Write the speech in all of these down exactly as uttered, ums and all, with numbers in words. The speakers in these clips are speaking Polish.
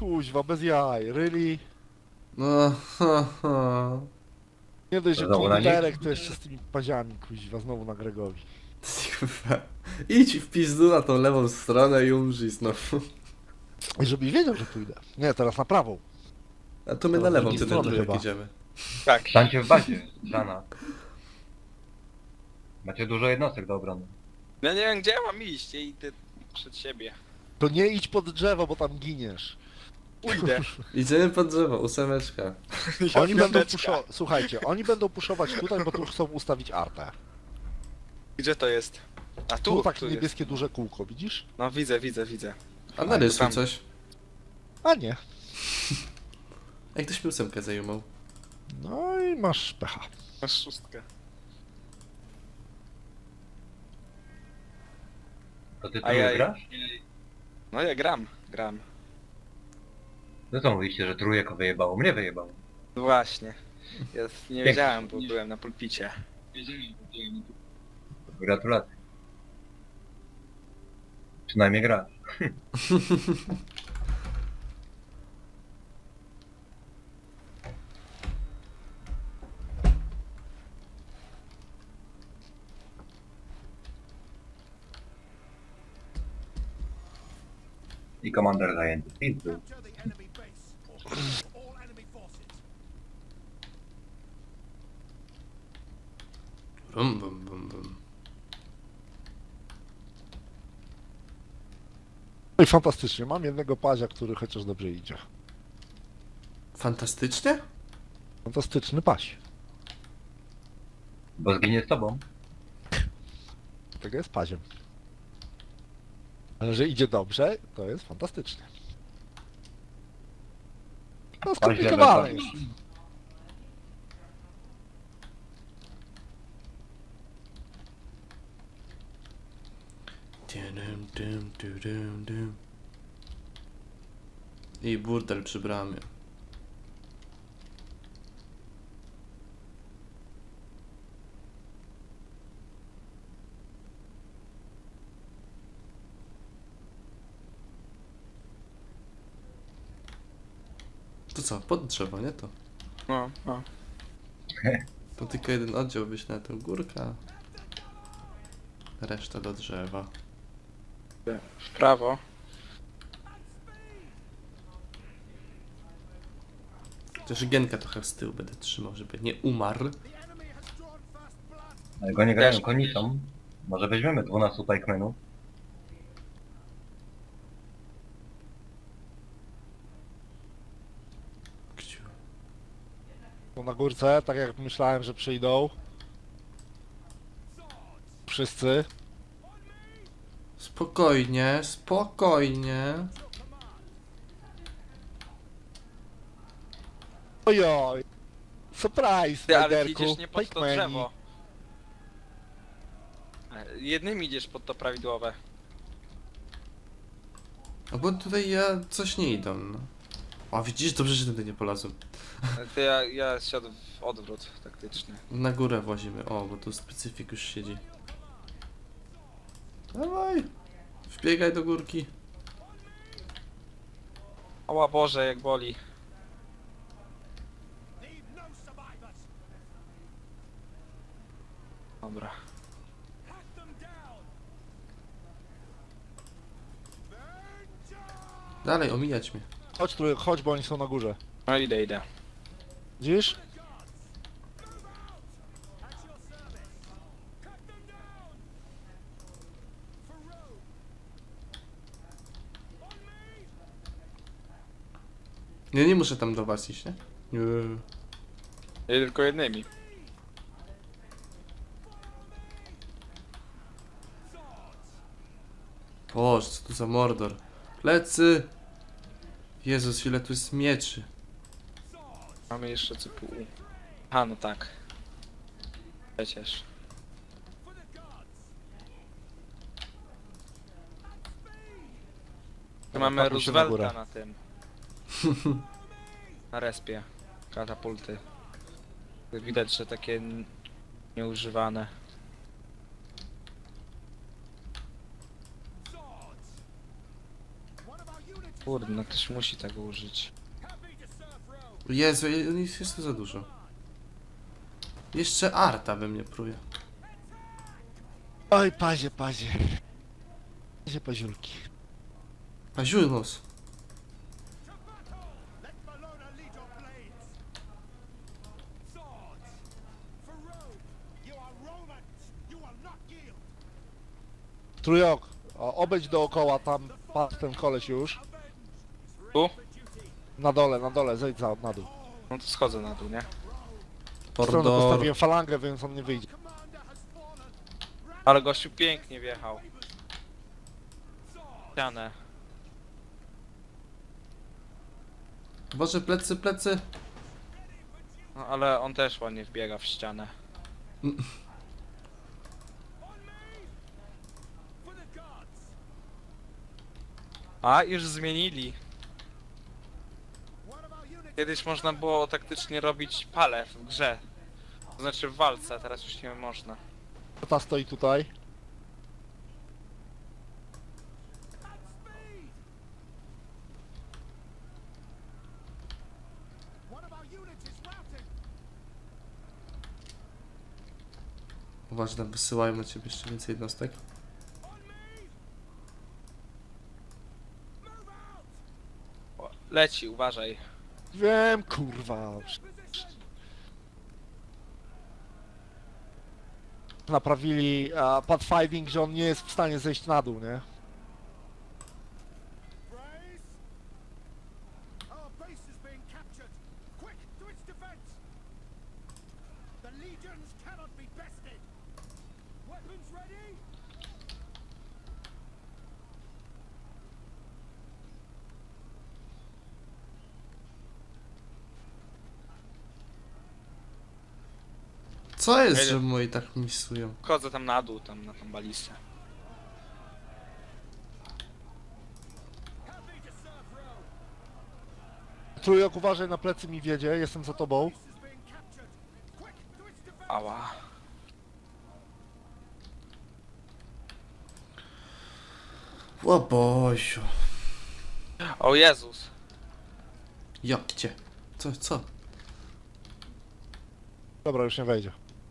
Kuźwa, bez jaj, really? No, ha, ha. Nie dość, że Znowu na nich? komputerek, to jeszcze z tymi paziami, kuźwa, znowu na Gregowi. Kurwa. Idź w pizdu na tą lewą stronę i umrzyj znowu. I żebyś wiedział, że pójdę. Nie, teraz na prawą. A to my To na z lewą, drugiej ty na strony trójek chyba. idziemy. Tak. Stańcie w bazie, Żana. Macie dużo jednostek do obrony. Ja nie wiem gdzie ja mam iść, ja idę przed siebie. To nie idź pod drzewo, bo tam giniesz. Pójdę. Idziemy pod drzewo, ósemeczka. Oni będą Piąteczka. puszować, słuchajcie, oni będą puszować tutaj, bo tu chcą ustawić artę. Gdzie to jest? A Tu, tu, takie tu jest. niebieskie duże kółko, widzisz? No widzę, widzę, widzę. A narysuj tam. coś. A nie. Jak ktoś mi ósemkę zajumał. No i masz pecha. Masz szóstkę. To ty tu Ajaj. grasz? No ja gram, gram. No co mówiliście, że trójek wyjebało? Mnie wyjebało. No właśnie. Ja nie wiedziałem, bo byłem na pulpicie. Gratulacje. Przynajmniej grasz. I komander zajęty. Pizdu. Bum, bum, bum, bum. No i fantastycznie, mam jednego pazia, który chociaż dobrze idzie. Fantastycznie? Fantastyczny paś. Bo zginie z tobą. Tego jest paziem. Ale że idzie dobrze, to jest fantastycznie. No skomplikowane level jest. Dum, dum, dum, dum, dum. I burdel przy bramie. To co, pod drzewo, nie to? No, no. To tylko jeden oddział wyślę na tę górkę. a Reszta do drzewa. W prawo. Chociaż Genka trochę z tyłu będę trzymał, żeby nie umarł. Ale go nie grają Też. konicą. Może weźmiemy dwunastu pikemenów. Kciu. Tu na górce, tak jak myślałem, że przyjdą. Wszyscy. Spokojnie, spokojnie. Ojoj. Surprise, Ty, ale ty Spiderku. idziesz nie pod to Pikemani. drzewo. E, Jednym idziesz pod to prawidłowe. A bo tutaj ja coś nie idę, no. O, widzisz, dobrze, że tutaj nie polazłem. E, Ty, ja, ja siadł w odwrót taktyczny. Na górę włazimy. O, bo tu specyfik już siedzi. Dawaj! Wbiegaj do górki. Oła Boże, jak boli. Dobra. Dalej, omijać mnie. Chodź tu, chodź, bo oni są na górze. No idę, idę. Widzisz? Nie, nie muszę tam do was iść, nie? Nie. Ja idę tylko jednymi. Boże, co tu za mordor. Plecy! Jezus, ile tu jest mieczy. Mamy jeszcze C P U. A no tak. Przecież. Tu Dobra, mamy pakuj się na górę. Roosevelta na tym. Na respie. Katapulty. Widać, że takie n- nieużywane. Kurde, no ktoś musi tego użyć. Jezu, on jest jeszcze za dużo. Jeszcze Arta we mnie pruje. Oj, pazie, pazie. Pazie, paziulki. Paziulnos. Trójok, o, obejdź dookoła, tam padł ten koleś już. Tu? Na dole, na dole, zejdź za, na dół. No to schodzę na dół, nie? W stronę Ordor. postawiłem falangę, więc on nie wyjdzie. Ale gościu pięknie wjechał. Ścianę. Boże, plecy, plecy. No ale on też ładnie wbiega w ścianę. A, już zmienili. Kiedyś można było taktycznie robić pale w grze. To znaczy w walce, a teraz już nie można. Ta stoi tutaj. Uważaj, tam wysyłają na ciebie jeszcze więcej jednostek. O, leci, uważaj. Wiem, kurwa. Naprawili a, pathfinding, że on nie jest w stanie zejść na dół, nie? Our base is being captured. Quick, to its defense. The legions cannot be bested. Weapons ready? Co jest, Jedzie. że moi tak misują? Chodzę tam na dół, tam na tą balistę. Trójok, uważaj, na plecy mi wiedzie, jestem za tobą. Is being captured. Quick, to its defense. Ała. O Boziu. O Jezus. Ja, gdzie? Co, co? Dobra, już nie wejdzie.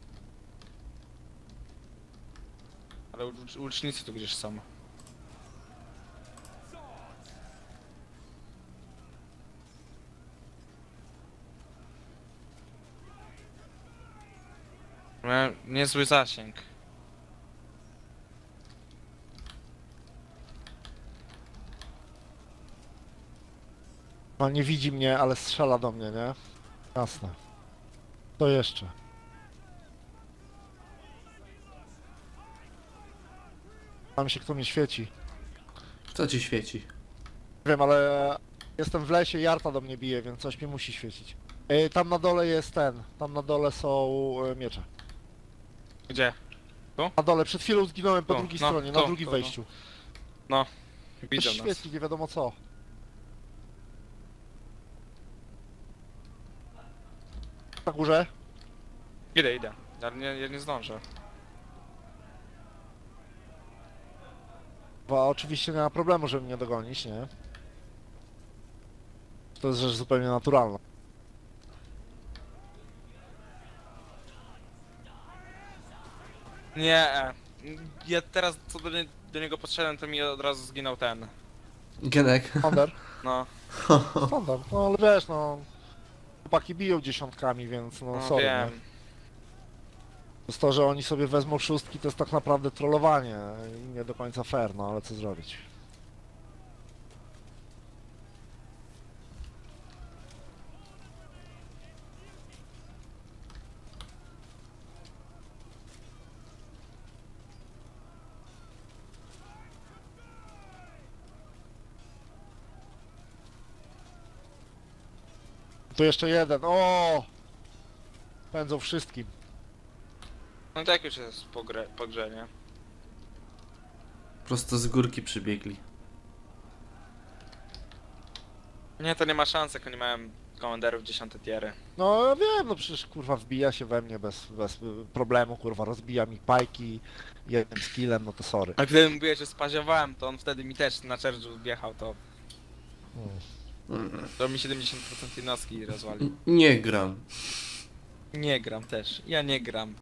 Ale łucz- łucznicy tu gdzieś są. Miałem niezły zasięg. No nie widzi mnie, ale strzela do mnie, nie? Jasne. To jeszcze. Tam się kto mnie świeci. Kto ci świeci? Wiem, ale jestem w lesie i Jarta do mnie bije, więc coś mi musi świecić. Ej, tam na dole jest ten. Tam na dole są e, miecze. Gdzie? Na dole, przed chwilą zginąłem po Tu, drugiej no, stronie, tu, na drugim tu, no. wejściu. Coś Widzą nas. świeci, nie wiadomo co. Na górze? Idę, idę. Ale nie, ja nie zdążę. Bo oczywiście nie ma problemu, żeby mnie dogonić, nie? To jest rzecz zupełnie naturalna. Nie. e, Ja teraz co do, nie, do niego podszedłem, to mi od razu zginął ten. Genek. Standard? No, Standard, no ale wiesz, no... Chłopaki biją dziesiątkami, więc no no sorry, nie? wiem. To jest to, że oni sobie wezmą szóstki, to jest tak naprawdę trollowanie i nie do końca fair, no ale co zrobić? Tu jeszcze jeden, o! Pędzą wszystkim. No tak już jest po, grze, po grze, nie? Prosto z górki przybiegli. Nie, to nie ma szans, jak oni mają komanderów dziesiąte tiery. No ja wiem, no przecież kurwa wbija się we mnie bez, bez y, problemu, kurwa rozbija mi pajki jednym skillem, no to sorry. A gdy mówiłeś, że spaziowałem, to on wtedy mi też na czerżu wjechał, to... To mi siedemdziesiąt procent jednostki rozwali. Nie gram. Nie gram też. Ja nie gram.